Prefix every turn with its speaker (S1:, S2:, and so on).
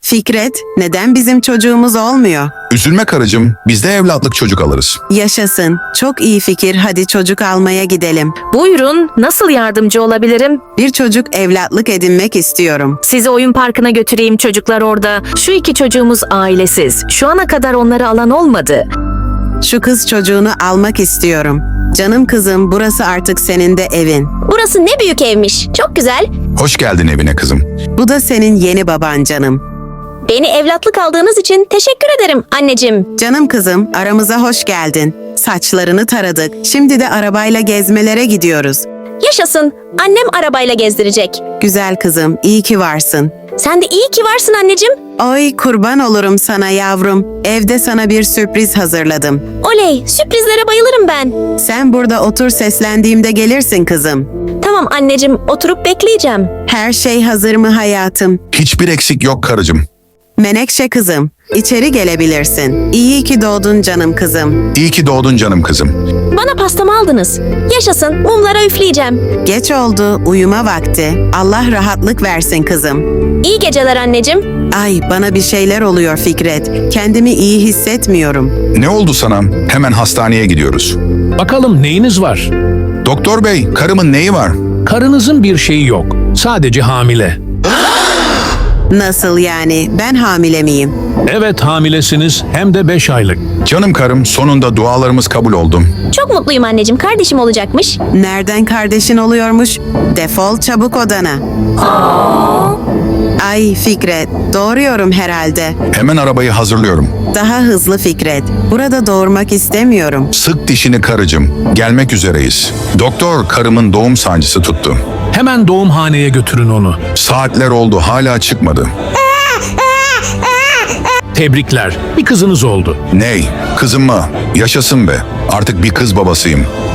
S1: Fikret, neden bizim çocuğumuz olmuyor?
S2: Üzülme karıcığım, biz de evlatlık çocuk alırız.
S1: Yaşasın. Çok iyi fikir. Hadi çocuk almaya gidelim.
S3: Buyurun, nasıl yardımcı olabilirim?
S1: Bir çocuk evlatlık edinmek istiyorum.
S3: Sizi oyun parkına götüreyim, çocuklar orada. Şu iki çocuğumuz ailesiz. Şu ana kadar onları alan olmadı.
S1: Şu kız çocuğunu almak istiyorum. Canım kızım, burası artık senin de evin.
S4: Burası ne büyük evmiş. Çok güzel.
S2: Hoş geldin evine kızım.
S1: Bu da senin yeni baban canım.
S4: Beni evlatlık aldığınız için teşekkür ederim anneciğim.
S1: Canım kızım, aramıza hoş geldin. Saçlarını taradık. Şimdi de arabayla gezmelere gidiyoruz.
S4: Yaşasın. Annem arabayla gezdirecek.
S1: Güzel kızım, iyi ki varsın.
S4: Sen de iyi ki varsın anneciğim.
S1: Oy, kurban olurum sana yavrum. Evde sana bir sürpriz hazırladım.
S4: Oley, sürprizlere bayılırım ben.
S1: Sen burada otur, seslendiğimde gelirsin kızım.
S4: Tamam anneciğim, oturup bekleyeceğim.
S1: Her şey hazır mı hayatım?
S2: Hiçbir eksik yok karıcığım.
S1: Menekşe kızım, içeri gelebilirsin. İyi ki doğdun canım kızım.
S2: İyi ki doğdun canım kızım.
S4: Bana pastamı aldınız. Yaşasın, mumlara üfleyeceğim.
S1: Geç oldu, uyuma vakti. Allah rahatlık versin kızım.
S4: İyi geceler anneciğim.
S1: Ay, bana bir şeyler oluyor Fikret. Kendimi iyi hissetmiyorum.
S2: Ne oldu sana? Hemen hastaneye gidiyoruz.
S5: Bakalım neyiniz var?
S2: Doktor bey, karımın neyi var?
S5: Karınızın bir şeyi yok. Sadece hamile.
S1: Nasıl yani? Ben hamile miyim?
S5: Evet hamilesiniz hem de 5 aylık.
S2: Canım karım, sonunda dualarımız kabul oldu.
S4: Çok mutluyum anneciğim, kardeşim olacakmış.
S1: Nereden kardeşin oluyormuş? Defol çabuk odana. Ay Fikret, doğuruyorum herhalde.
S2: Hemen arabayı hazırlıyorum.
S1: Daha hızlı Fikret. Burada doğurmak istemiyorum.
S2: Sık dişini karıcığım. Gelmek üzereyiz. Doktor, karımın doğum sancısı tuttu.
S5: Hemen doğumhaneye götürün onu.
S2: Saatler oldu, hala çıkmadı.
S5: Tebrikler. Bir kızınız oldu.
S2: Ney? Kızım mı? Yaşasın be. Artık bir kız babasıyım.